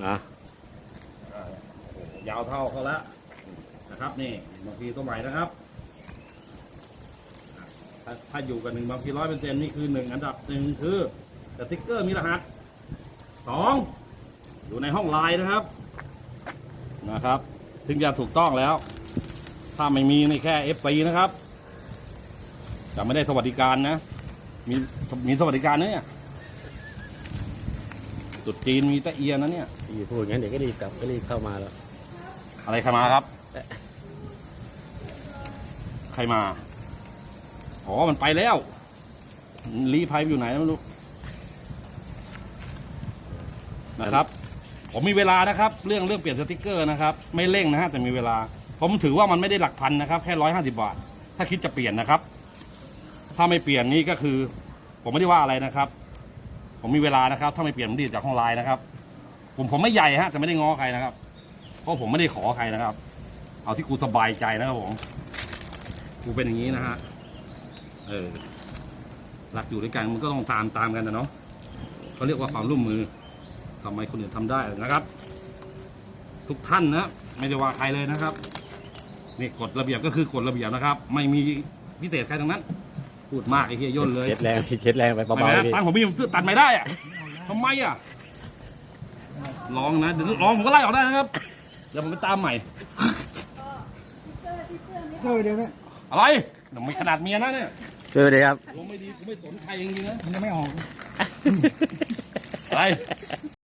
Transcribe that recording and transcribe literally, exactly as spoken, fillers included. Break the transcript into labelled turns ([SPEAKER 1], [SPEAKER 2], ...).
[SPEAKER 1] อ่ะ
[SPEAKER 2] ยาวเท่าเขาแล้วนะครับนี่บางทีตัวใหม่นะครับถ้าถ้าอยู่กันหนึ่งบางทีร้อยเปอร์เซ็นต์นี่คือหนึ่งอันดับหนึ่งคือสติ๊กเกอร์มีรหัสสองอยู่ในห้องไลน์นะครับนะครับถึงจะถูกต้องแล้ว ถ้าไม่มีนี่แค่ เอฟ ซี นะครับจะไม่ได้สวัสดิการนะมีมีสวัสดิการนะเนี่ยจุดจีนมีตะเอียนนะเนี่ย
[SPEAKER 1] พี่พูดงั้นเดี๋ยวก็รีบกลับก็รีบเข้ามาแล้ว
[SPEAKER 2] อะไรใครมาครับ ใครมาอ๋อมันไปแล้วรีไพร์อยู่ไหนไม่รู้นะครับ ผมมีเวลานะครับ เรื่องเรื่องเปลี่ยนสติกเกอร์นะครับ ไม่เร่งนะฮะแต่มีเวลา ผมถือว่ามันไม่ได้หลักพันนะครับแค่ร้อยห้าสิบบาทถ้าคิดจะเปลี่ยนนะครับ ถ้าไม่เปลี่ยนนี่ก็คือ ผมไม่ได้ว่าอะไรนะครับ ผมมีเวลานะครับ ถ้าไม่เปลี่ยนผมดีจากห้องไลน์นะครับ ผมผมไม่ใหญ่ฮะแต่ไม่ได้ง้อใครนะครับ เพราะผมไม่ได้ขอใครนะครับ เอาที่กูสบายใจนะครับผมกูเป็นอย่างนี้นะฮะเออรักอยู่ด้วยกันมันก็ต้องตามตามกันนะเนาะเขาเรียกว่าความร่วมมือทำไมคนอื่นทำได้นะครับ ทุกท่านนะไม่ได้ว่าใครเลยนะครับนี่กฎระเบียบก็คือกฎระเบียบนะครับ ไม่มีพิเศษใครทั้งนั้น พูดมากไอ้เหี้ยย่นเลย
[SPEAKER 1] เช็ดแรงเช็ดแรงไปเบาๆ
[SPEAKER 2] ไม่
[SPEAKER 1] พี่
[SPEAKER 2] ตังผมมีผมตัดไม่ได้อะทำไมอ่ะลองนะเดี๋ยวลองผมก็ไล่ออกได้นะครับเดี๋ยวผมไปตามใหม่
[SPEAKER 3] เออเดี๋ยวนะ
[SPEAKER 2] อะไรเดี๋ยวไม่ขนาดเมียนะเนี่ย
[SPEAKER 1] เจอเลยครับ
[SPEAKER 2] ลงไม่ดีกูไม่สนใครจริงๆนะ
[SPEAKER 3] มันยังไม่ออก
[SPEAKER 2] อะไร